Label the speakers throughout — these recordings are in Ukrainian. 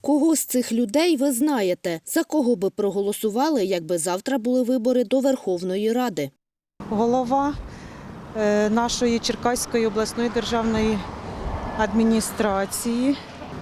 Speaker 1: Кого з цих людей ви знаєте? За кого би проголосували, якби завтра були вибори до Верховної Ради?
Speaker 2: Голова нашої Черкаської обласної державної адміністрації.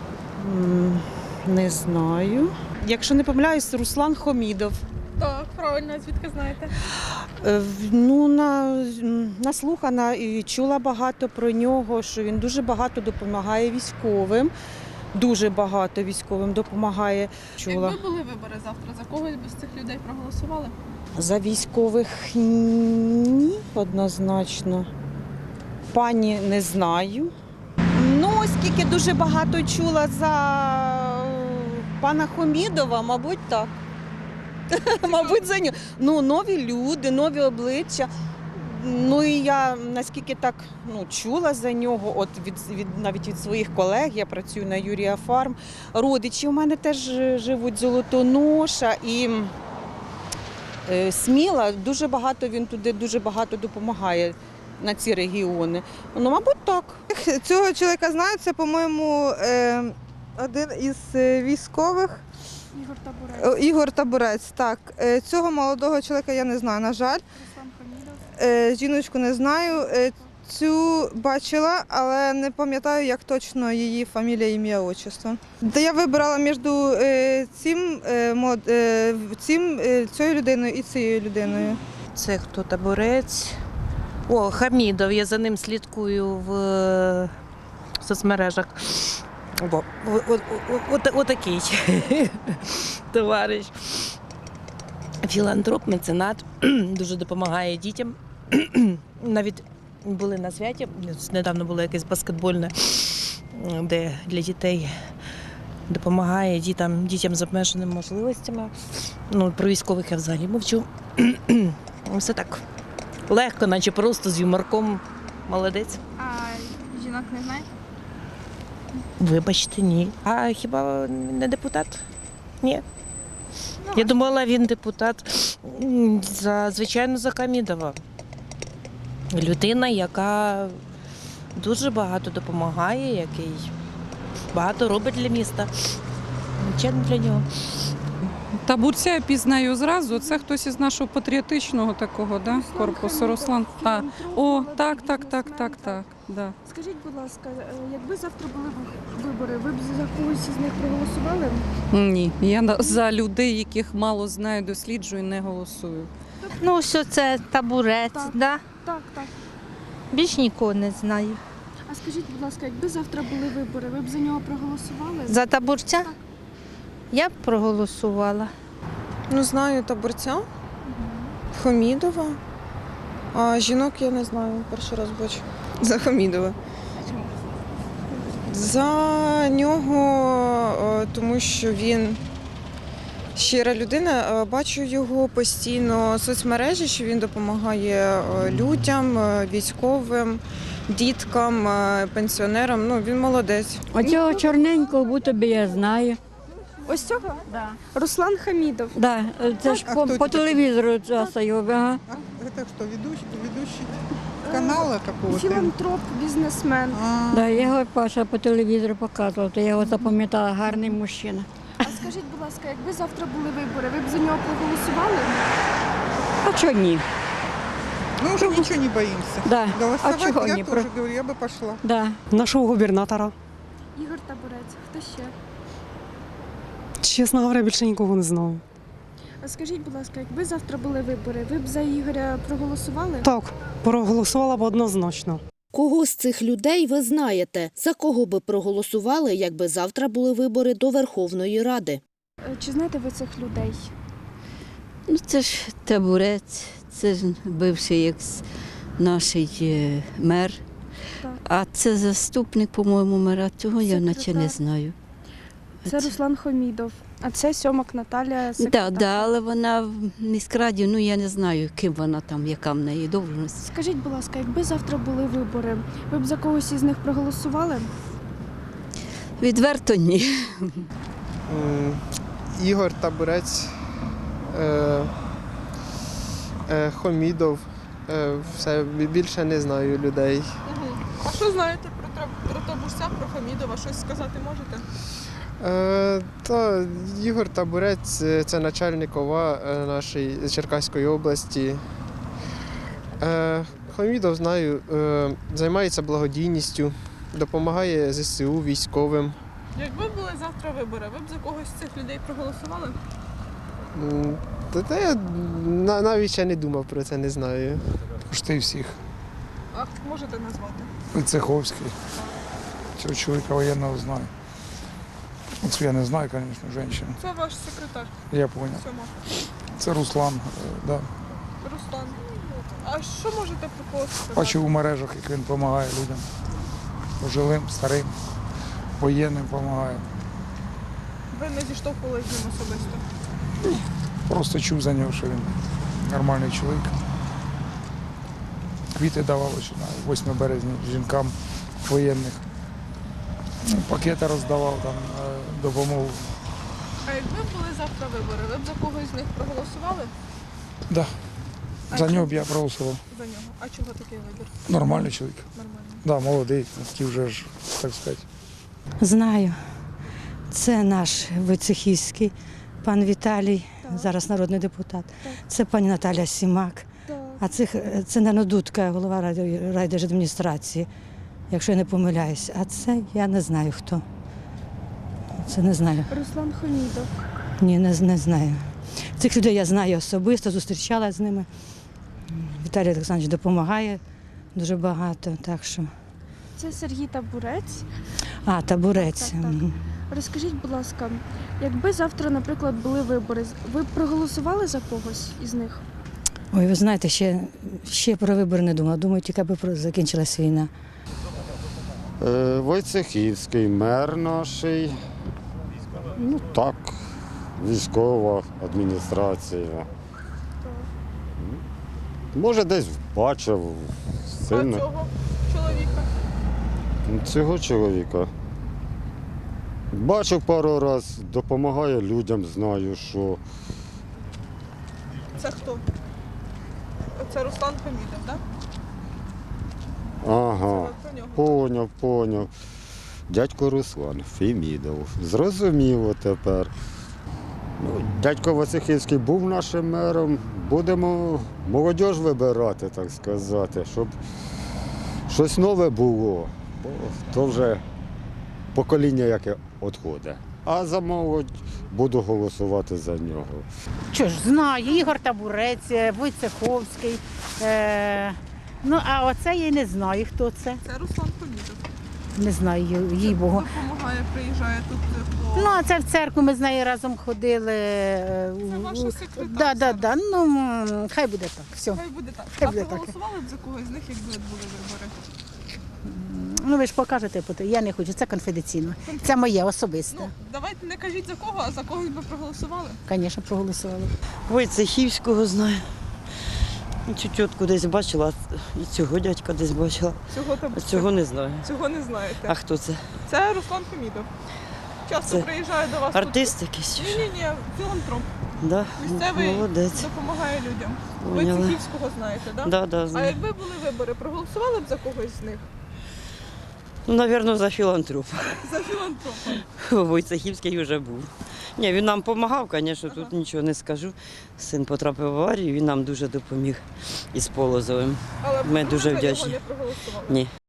Speaker 2: Не знаю. Якщо не помиляюсь, Руслан Хомідов.
Speaker 3: Так, правильно, звідки знаєте?
Speaker 2: Ну, наслухана і чула багато про нього, що він дуже багато допомагає військовим. Дуже багато військовим допомагає. Чула.
Speaker 3: Якби були вибори завтра, за кого б з цих людей проголосували?
Speaker 2: За військових ні, однозначно. Пані не знаю. Ну, оскільки дуже багато чула за пана Хомідова, мабуть, так. Мабуть, за нього. Ну, нові люди, нові обличчя. Ну і я наскільки так чула за нього, от навіть від своїх колег, я працюю на Юрія Фарм. Родичі у мене теж живуть Золотоноша і Сміла, дуже багато він туди дуже багато допомагає на ці регіони. Ну, мабуть, так.
Speaker 4: Цього чоловіка знаю, це, по-моєму, один із військових.
Speaker 3: Ігор Табурець.
Speaker 4: Ігор Табурець, так. Цього молодого чоловіка я не знаю, на жаль.
Speaker 3: Руслан Хамідов.
Speaker 4: Жіночку не знаю. Цю бачила, але не пам'ятаю, як точно її фамілія, ім'я, отчество. Та я вибирала між цією людиною і цією людиною.
Speaker 5: Це хто? Табурець? О, Хамідов, я за ним слідкую в соцмережах. Отакий товариш. Філантроп, меценат, дуже допомагає дітям. Навіть були на святі, недавно було якесь баскетбольне, де для дітей допомагає дітям з обмеженими можливостями. Ну, про військових я взагалі мовчу. Все так легко, наче просто з юморком. Молодець.
Speaker 3: А жінок не знаєте?
Speaker 5: Вибачте, ні. А хіба не депутат? Ні. Я думала, він депутат, звичайно, за Хамідова. Людина, яка дуже багато допомагає, який багато робить для міста. Звичайно, для нього.
Speaker 6: Табурця я пізнаю зразу. Це хтось із нашого патріотичного такого, да? Корпусу. Руслан. О, так. Да.
Speaker 3: Скажіть, будь ласка, якби завтра були вибори, ви б за когось із них проголосували?
Speaker 6: Ні, я за людей, яких мало знаю, досліджую, не голосую.
Speaker 7: Ну, що це Табурець,
Speaker 3: Так.
Speaker 7: да?
Speaker 3: Так.
Speaker 7: Більш нікого не знаю.
Speaker 3: А скажіть, будь ласка, якби завтра були вибори, ви б за нього проголосували?
Speaker 7: За Табурця? Я б проголосувала.
Speaker 8: Ну, знаю Табурця, Хомідова, а жінок я не знаю, перший раз бачу. За Хомідова. За нього, тому що він щира людина, бачу його постійно в соцмережі, що він допомагає людям, військовим, діткам, пенсіонерам. Ну, він молодець.
Speaker 9: Оцього чорненького будто би я знаю.
Speaker 3: Ось цього? Да. Руслан Хамідов.
Speaker 9: Да, це ж по телевізору часто його. Ага.
Speaker 4: Це хто, ведучий каналу какого-то?
Speaker 3: Філантроп, бізнесмен.
Speaker 9: Да, його Паша по телевізору показував, то я його запам'ятала, гарний мужчина.
Speaker 3: А скажіть, будь ласка, якби завтра були вибори, ви б за нього проголосували?
Speaker 9: А чого ні?
Speaker 4: Мы уже ничего не боимся.
Speaker 9: Да.
Speaker 4: Голосовать
Speaker 9: А чого
Speaker 4: я
Speaker 9: ні?
Speaker 4: тоже говорю, я бы пошла.
Speaker 9: Да.
Speaker 10: Нашого губернатора.
Speaker 3: Ігор Табурець. Хто ще?
Speaker 10: Чесно говоря, більше нікого не знаю.
Speaker 3: А скажіть, будь ласка, якби завтра були вибори, ви б за Ігоря проголосували?
Speaker 10: Так, проголосувала б однозначно.
Speaker 1: Кого з цих людей ви знаєте? За кого би проголосували, якби завтра були вибори до Верховної Ради?
Speaker 3: Чи знаєте ви цих людей?
Speaker 11: Ну, це ж Табурець, це ж бивший наш мер.
Speaker 3: Так.
Speaker 11: А це заступник, по-моєму, мера. Цього я наче не знаю.
Speaker 3: Це Руслан Хомідов, а це Сьомак Наталя, секретар.
Speaker 11: Так, але вона в міськраді, ну я не знаю, ким вона там, яка в неї должність.
Speaker 3: Скажіть, будь ласка, якби завтра були вибори, ви б за когось із них проголосували?
Speaker 11: Відверто ні.
Speaker 12: Ігор Табурець, Хомідов, все, більше не знаю людей.
Speaker 3: А що знаєте про Табурця, про Хамідова? Щось сказати можете?
Speaker 12: Та Ігор Табурець це начальник ОВА нашої Черкаської області. Хомідов знаю, займається благодійністю, допомагає ЗСУ військовим.
Speaker 8: Якби були завтра вибори, ви б за когось з цих людей проголосували?
Speaker 12: Та я навіть ще не думав про це, не знаю.
Speaker 13: Почти всіх.
Speaker 8: А можете назвати?
Speaker 13: Цеховський. Цього чоловіка воєнного знаю. Оце я не знаю, звісно, жінку.
Speaker 8: Це ваш секретар.
Speaker 13: Я зрозумів.
Speaker 8: Сьома.
Speaker 13: Це Руслан, да.
Speaker 8: Руслан. А що можете про когось сказати?
Speaker 13: Бачив у мережах, як він допомагає людям. Пожилим, старим, воєнним допомагає.
Speaker 8: Ви не зіштовхувалися з ним особисто?
Speaker 13: Просто чув за нього, що він нормальний чоловік. Квіти давав ось на 8 березня жінкам воєнних. Пакети роздавав, там, допомогу.
Speaker 8: А якби були завтра вибори, ви б за когось з них проголосували?
Speaker 13: Да.
Speaker 8: А
Speaker 13: За
Speaker 8: чому?
Speaker 13: нього б я проголосував.
Speaker 8: За нього. А чого такий вибір?
Speaker 13: Нормальний чоловік.
Speaker 8: Нормально.
Speaker 13: Да, молодий, такий вже ж, так сказати.
Speaker 9: Знаю. Це наш Войцехівський, пан Віталій, зараз народний депутат. Це пані Наталя Сімак. А це Нано Дудка, голова райдержадміністрації, якщо я не помиляюсь. А це я не знаю хто. Це не знаю.
Speaker 3: Руслан Хомідов.
Speaker 9: Ні, не знаю. Цих людей я знаю особисто, зустрічалася з ними. Віталій Олександрович допомагає дуже багато, так що.
Speaker 3: Це Сергій Табурець.
Speaker 9: А, Табурець.
Speaker 3: Так. Розкажіть, будь ласка, якби завтра, наприклад, були вибори, ви б проголосували за когось із них?
Speaker 9: Ой, ви знаєте, ще про вибори не думала. Думаю, тільки аби закінчилась війна.
Speaker 14: Войцехівський, мер наш. Ну так, військова адміністрація. Може, десь бачив сильно.
Speaker 8: А цього чоловіка?
Speaker 14: Цього чоловіка. Бачив пару разів, допомагає людям, знаю, що.
Speaker 8: Це хто? Це Руслан Хомідов, так?
Speaker 14: Ага, поняв. Дядько Руслан Фемідов. Зрозуміло тепер. Ну, дядько Войцехівський був нашим мером. Будемо молодь вибирати, так сказати, щоб щось нове було. Бо то вже покоління, яке відходить. А за молодь буду голосувати за нього.
Speaker 7: Що ж, знаю, Ігор Табурець, Войцеховський. Ну, а оце я не знаю, хто це.
Speaker 8: Це Руслан Хомідов.
Speaker 7: Не знаю, їй Богу.
Speaker 8: Допомагає, приїжджає тут по...
Speaker 7: Ну, а це в церкву ми з нею разом ходили.
Speaker 8: Це ваша секретарка.
Speaker 7: Да. Ну, хай буде так. Все.
Speaker 8: Хай буде так.
Speaker 7: Хай
Speaker 8: А
Speaker 7: буде так.
Speaker 8: проголосували б за когось з них, якби були вибори?
Speaker 7: Ну, ви ж покажете, я не хочу, це конфіденційно. Це моє особисте.
Speaker 8: Ну, давайте не кажіть за кого, а за когось би проголосували.
Speaker 7: Звісно, проголосували.
Speaker 11: Войцехівського знаю. Цю тітку десь бачила, і цього дядька десь бачила. Цього не знаю.
Speaker 8: Цього не знаєте.
Speaker 11: А хто це?
Speaker 8: Це Руслан Хомідов. Часто
Speaker 11: Це
Speaker 8: приїжджає до вас
Speaker 11: артист
Speaker 8: тут.
Speaker 11: якийсь?
Speaker 8: Ні, філантроп.
Speaker 11: Да?
Speaker 8: Місцевий
Speaker 11: Молодець.
Speaker 8: допомагає людям.
Speaker 11: Поняла.
Speaker 8: Войцехівського знаєте, так?
Speaker 11: Да,
Speaker 8: А
Speaker 11: знаю.
Speaker 8: якби були вибори, проголосували б за когось з них?
Speaker 11: Ну, мабуть, за філантропа.
Speaker 8: За філантропа.
Speaker 11: Войцехівський вже був. Ні, він нам допомагав, звісно, тут нічого не скажу. Син потрапив в аварію, він нам дуже допоміг із Полозовим.
Speaker 8: Але
Speaker 11: Ми
Speaker 8: б
Speaker 11: дуже
Speaker 8: за нього
Speaker 11: вдячні.
Speaker 8: не проголосували.
Speaker 11: Ні.